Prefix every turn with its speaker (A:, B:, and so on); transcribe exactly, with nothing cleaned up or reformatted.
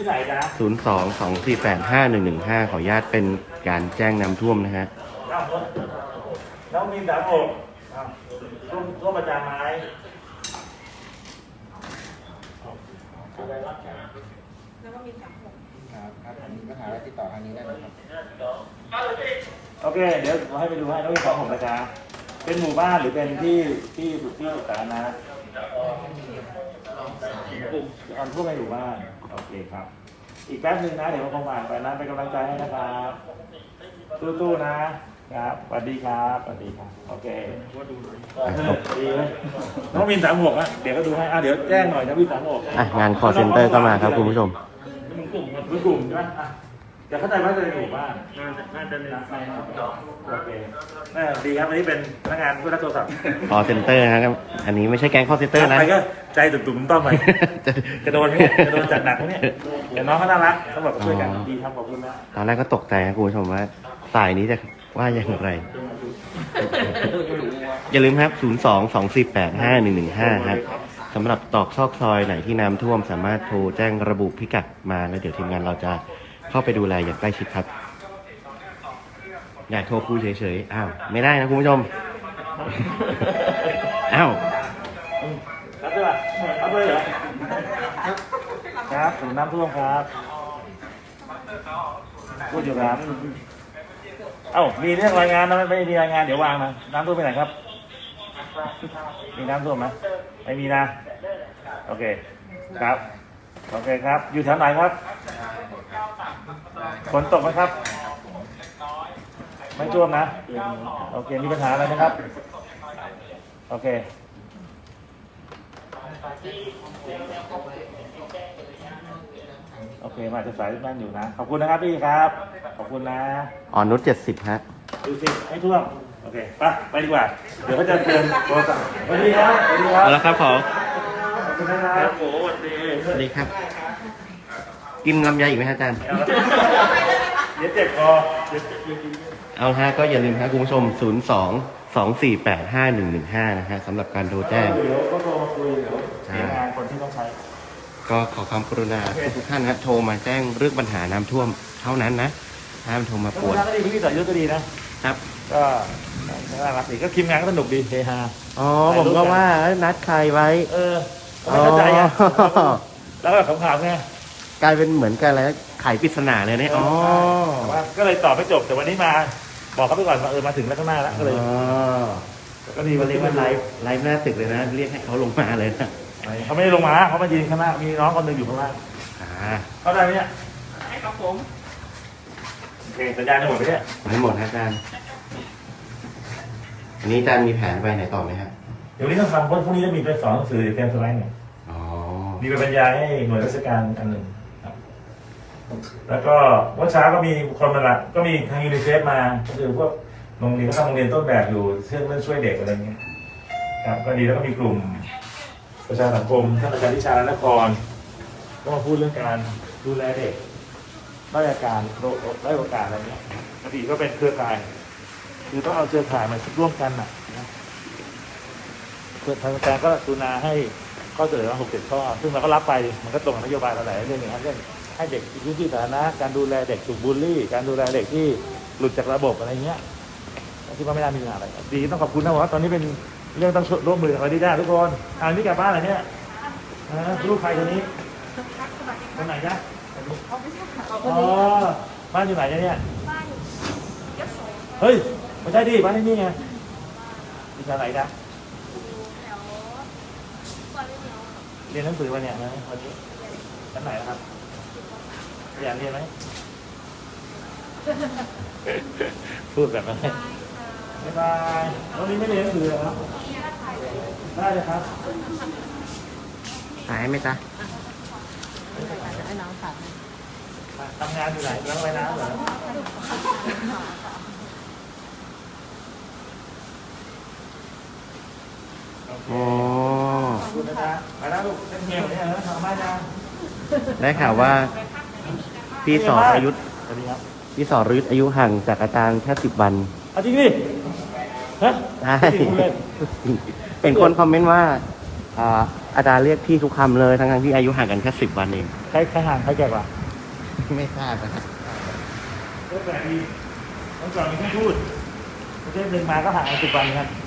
A: ที่ไหนจ๊ะ
B: ศูนย์ สอง สอง สี่ แปด ห้า หนึ่ง หนึ่ง ห้า ขออนุญาตเป็นการแจ้งน้ำท่วมนะฮะ
A: น้องมีสามหกร่วมร่วมประจานไม้
C: แล้วก็มีสามหก
D: ครับครับมีปัญหาอะไรติดต่อทางนี้ได้ไหมครับ
A: โอเค เดี๋ยวผมให้ไปดูให้น้องมีสามหกนะจ๊ะเป็นหมู่บ้านหรือเป็นที่ที่ที่สาธารณะกลุ่มอันพวกในหมู่บ้านโอเคครับ อีกแป๊บนึงนะเดี๋ยวผมคงผ่านไปนะเป็นกำลังใจให้นะครับสู้ๆนะครับสวัสดีครับสวัสดีครับโอเคดีไหมน้องมินสามหกอ่ะเดี๋ยวก็ดูให้อ่ะเดี๋ยวแจ้งหน่อยนะมินสามหก
B: อ่ะงาน call center ก็มาครับคุณผู้ชม
A: เป็นกลุ่มเป็นกลุ่มใช่ไหมอ่ะเดี๋ยวเข้าใจว่าจะเป็นหมู่บ้านน่าจะน่าจะเป็นใครโอเคน่าดีครับอันนี้เป็นพนักงานผู้รับโทรศัพท์
B: call center นะครับ อันนี้ไม่ใช่แก๊ง call center นะ
A: ไปก็ใจตุ่มๆต้อมไปจะโดนไหมเนี่ยจะโดนจัดหนักไหมเนี่ยเดี๋ยวน้องเขาน่ารักเขาบอกช่วยกันดีครับขอบคุณนะ
B: ตอนแรกก็ตกใจนะคุณผู้ชมว่าสายนี้จะว่าอย่างไร อย่าลืมครับ ศูนย์ สอง สอง สี่ แปด ห้า หนึ่ง หนึ่ง ห้า ครับสำหรับตอกซอกซอยไหนที่น้ำท่วมสามารถโทรแจ้งระบุพิกัดมาแล้วเดี๋ยวทีมงานเราจะเข้าไปดูแลอย่างใกล้ชิดครับ อยากโทรคุยเฉยๆ อ้าว ไม่ได้นะคุณผู้ชม อ้าว
A: รับด้วยป่ะรับด้วยเหรอครับผมน้ำท่วมครับพูดอยู่ครับเอ้ามีเรื่องรายงานนะไม่ไม่มีรายงานเดี๋ยววางนะน้ำท่วมไปไหนครับมีน้ำท่วมไหมไม่มีนะโอเคครับโอเคครับอยู่แถวไหนครับฝนตกไหมครับไม่ท่วมนะโอเคมีปัญหาอะไรนะครับโอเคโอเคมาจะสายนั่นอยู่นะขอบคุณนะครับพี่ครับขอบคุณนะ
B: อ่อนนุชเจ็ดสิบฮะ
A: ดูสิให้ท่วมโอเคไปไปดีกว่าเดี๋ยวเขาจะเตือนโทรศัพท์สวัสดีครับสวัสดีครับ
B: เอาละครับขอ
A: ขอบคุณนะครับโอ้สวัสดี
B: สวัสดีครับ กินลำไยอีกไหมฮะอาจารย์
A: เดี๋ยวเจ็บคอเดี๋ยวเจ็บจริง
B: เอาฮะก็อย่าลืมครับคุณผู้ชม ศูนย์ สอง สอง สี่ แปด ห้า หนึ่ง หนึ่ง ห้า นะฮะสำหรับการโทร
A: ๆ
B: แจ้ง
A: เดี๋ยวก็โทรมาคุยเดี๋ยวเสียงานคนที่ต้องใช้
B: ก็ขอความกรุณาทุกท่านนะโทรมาแจ้งเรื่องปัญหาน้ำท่วมเท่านั้นนะห้ามโทรมา
A: แล้ว
B: ปวด
A: ก็ดีพี่ต่อยุทธก็ดีนะครับ ก็น่ารักดีก็ทีมงานก็สนุกดีเฮฮา
B: อ๋อผมก็ว่านัดใครไว้
A: เออไม่เข้าใจอ่ะ
B: อ๋อ
A: แล้วก็ขำๆไง
B: กลายเป็นเหมือนกันอะไรนะไขปริศนาเลยเนี่ยอ๋อ
A: แต่ว่าก็เลยตอบไม่จบแต่วันนี้มา บอกเขาไปก่อนว่าเออมาถึงแล้วข้างหน้าแล้วก็เลย
B: อ๋อ
A: ก็ดี
B: เขาเรียกว่าไลฟ์ไลฟ์หน้าตึกเลยนะ เรียกให้เขาลงมาเลยนะ
A: เขาไม่ได้ลงมาเขามายืนข้างหน้ามีน้องคนหนึ่งอยู่ข้างล่าง
B: อ่า
A: เข้าใจไหมเนี่ย
C: ให้ครับผม
A: โอเคสัญญาณจะหมดไปเนี่ย
B: ไม่หมดนะอาจารย์อันนี้อาจารย์มีแผนไปไหนต่อไหมฮะ
A: เดี๋ยววันนี้ต้องทำเพราะพรุ่งนี้จะมีไปสอนหนังสือเตรียมสไลด์เนี่ย
B: อ๋อ
A: มีไปบรรยายให้หน่วยราชการอันหนึ่งครับแล้วก็เมื่อเช้าก็มีคนมาละก็มีทางยูนิเซฟมาก็คือพวกโรงเรียนก็ทำโรงเรียนต้นแบบอยู่เรื่องเรื่องช่วยเด็กอะไรเงี้ยครับก็ดีแล้วก็มีกลุ่มประชาสังคมท่านอาจารย์วิชาและนครก็มาพูดเรื่องการดูแลเด็กด้อยอาการโรคด้อยโอกาสอะไรเงี้ยปกติก็เป็นเครือข่ายคือต้องเอาเครือข่ายมาร่วมกันน่ะนะทางการก็กรุณาให้ข้อเสนอมาหกเจ็ดข้อซึ่งเราก็รับไปมันก็ตรงกับนโยบายเราหลายเรื่องอย่างเช่นให้เด็กพื้นที่สาธารณะการดูแลเด็กถูกบูลลี่การดูแลเด็กที่หลุดจากระบบอะไรเงี้ยที่ว่าไม่น่ามีปัญหาอะไรดีต้องขอบคุณนะว่าตอนนี้เป็นเรื่องต้องร่วมมือกับเราดีได้ทุกคนอ่านี่กลับบ้านอะไรเนี่ยลูกใครคนนี้คนไหนจ๊ะ
C: เอาไม่ใช่ค่ะ
A: อ๋อบ้านอยู่ไหนเนี่ย
C: บ้านยโส
A: เฮ้ยไม่ใช่ดิบ้านที่นี่ไงอยู่แถวไหนจ๊ะ
C: แถวซอยเลี้ยว
A: เรียนหนังสือมาเนี่ยนะวันนี้ชั้นไหนนะครับอยากเรียนไหม พูดแบบนั้นบ๊ายบายวันนี้ไม่เรียนหนังสือเหรอครับได้เลยครับ
B: หายไหมจ๊ะ
C: ให้น้องตัด
A: ทำงานอยู่ไหนล้างไว้น้ำเหรอโอเค
B: อ๋อ
A: ขอบคุณนะจ๊ะไปแล้วลูกเป็นเมียเหมือนกันนะทำมาจ้า
B: ได้ข่าวว่าพี่สออายุ
A: สวัสดีครับ
B: พี่สอรยุทธอายุห่างจากอาจารย์แค่สิบวัน
A: เอาจริงดิฮะ
B: ใช่
A: จริงพูดเล่น
B: เป็นคนคอมเมนต์ว่าอ่าอาจารย์เรียกพี่ทุกคำเลยทั้งๆที่อายุห่างกันแค่สิบวันเอง
E: ใครใครห่างใครแก่กว่า
B: ไม่ทราบนะครับ
A: ก็แปลกดีเมื่อก่อนมีแค่พูด
E: ประเทศหนึ่งมาก็ห่างกันสิบวันครับ